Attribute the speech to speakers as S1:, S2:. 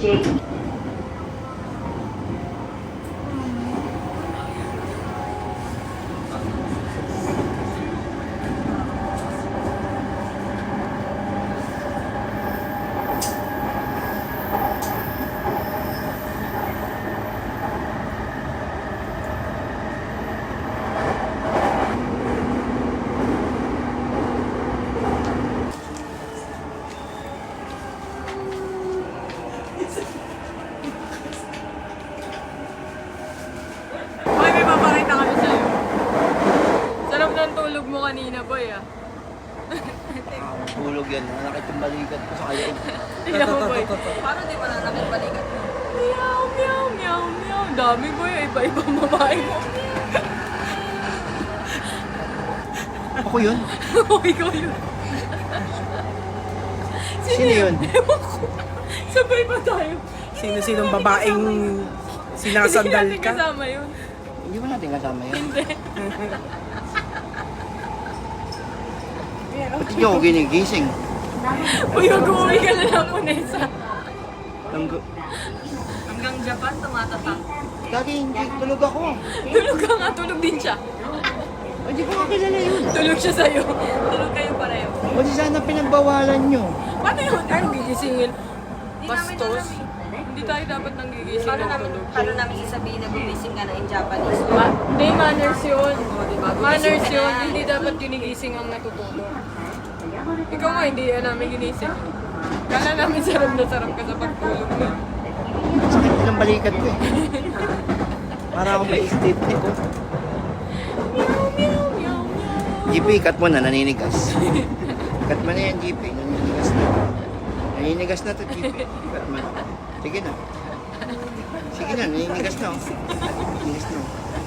S1: Jake.
S2: Boy, may papakita kami sa'yo. Sarap ng tulog mo kanina, boy, ah.
S3: Tulog yan. Nakakit yung balikat ko sa kaya.
S2: Tingnan mo, boy.
S4: Paano di ba nanakit balikat mo?
S2: Meow, meow, meow, meow. Dami, boy. Iba-ibang babae mo.
S3: Ako yun?
S2: Oh, ikaw yun.
S3: Sino yun?
S2: Ewan ko. Sabay ba tayo?
S5: Sino-sinong babaeng sinasandal
S2: Hindi natin
S5: ka?
S2: kasama yun.
S3: Hindi ba natin kasama yun?
S2: Hindi.
S3: Ba't hindi ako ginigising?
S2: Uy, mag-uwi ka na lang, Punesa.
S4: Hanggang Japan, tumatatak.
S3: Lagi hindi. Tulog ako.
S2: Tulog ka nga, tulog din siya.
S3: Hindi ko kakilala yun.
S2: Tulog siya sa'yo.
S4: Tulog kayo pareho.
S3: O di sana pinagbawalan nyo.
S2: Paano yun? Ano gigisingin?
S4: Di namin
S2: Bastos?
S4: alam
S2: Hindi tayo dapat nang gigising
S4: Paano
S2: ng
S4: namin,
S2: tulog.
S4: paano namin isabihin na gumising ka na in Japanese?
S2: Hindi, manners yun.
S4: diba?
S2: Manners
S4: Gumising ka
S2: yun.
S4: na.
S2: Hindi dapat ginigising ang natutulog. Ikaw nga, hindi yan namin ginising. Kala namin sarap na sarap ka sa pagtulog mo.
S3: Sakit din ang balikat ko eh. Para akong may state ko.
S2: Meow, meow, meow, meow.
S3: GP, cut mo na. Naninigas. Cut mo na yan, GP. Naninigas na. Naninigas na to, GP. Cut mo na. Sige na. Sige na, naninigas na. Oh. Naninigas na. Oh.